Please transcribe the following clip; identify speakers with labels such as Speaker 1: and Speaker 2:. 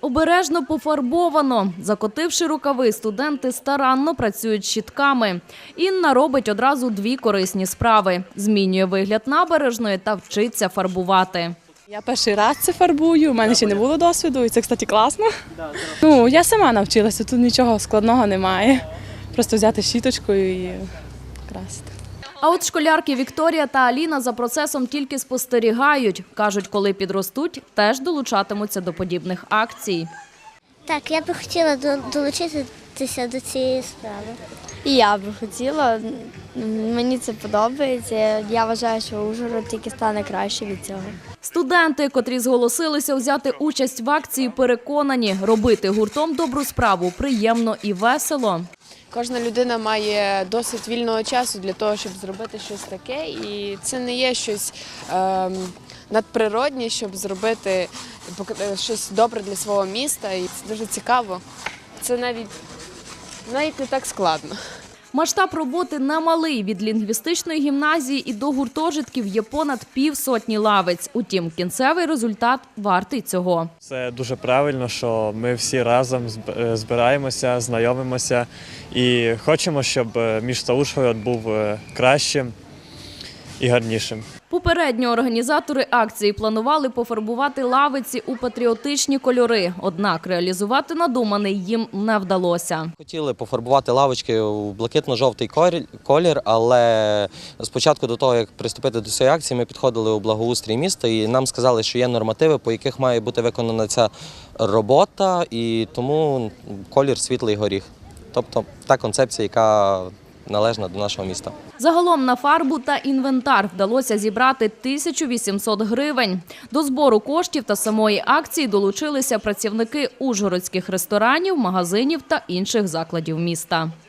Speaker 1: Обережно пофарбовано. Закотивши рукави, студенти старанно працюють щітками. Інна робить одразу дві корисні справи. Змінює вигляд набережної та вчиться фарбувати.
Speaker 2: Я перший раз це фарбую, у мене ще не було досвіду, і це, кстати, класно. Я сама навчилася, тут нічого складного немає. Просто взяти щіточку і красити.
Speaker 1: А от школярки Вікторія та Аліна за процесом тільки спостерігають. Кажуть, коли підростуть, теж долучатимуться до подібних акцій.
Speaker 3: Так, я би хотіла долучитися до цієї справи.
Speaker 4: І я би хотіла, мені це подобається. Я вважаю, що Ужгород тільки стане краще від цього.
Speaker 1: Студенти, котрі зголосилися взяти участь в акції, переконані, робити гуртом добру справу приємно і весело.
Speaker 5: Кожна людина має досить вільного часу для того, щоб зробити щось таке. І це не є щось надприроднє, щоб зробити щось добре для свого міста. І це дуже цікаво. Це навіть не так складно.
Speaker 1: Масштаб роботи немалий. Від лінгвістичної гімназії і до гуртожитків є понад півсотні лавиць. Утім, кінцевий результат вартий цього.
Speaker 6: Це дуже правильно, що ми всі разом збираємося, знайомимося і хочемо, щоб місто Ужгород був кращим і гарнішим.
Speaker 1: Попередньо організатори акції планували пофарбувати лавиці у патріотичні кольори. Однак реалізувати надуманий їм не вдалося.
Speaker 7: Хотіли пофарбувати лавочки у блакитно-жовтий колір, але спочатку до того, як приступити до цієї акції, ми підходили у благоустрій міста і нам сказали, що є нормативи, по яких має бути виконана ця робота, і тому колір світлий горіх. Тобто та концепція, яка належна до нашого міста.
Speaker 1: Загалом на фарбу та інвентар вдалося зібрати 1800 гривень. До збору коштів та самої акції долучилися працівники ужгородських ресторанів, магазинів та інших закладів міста.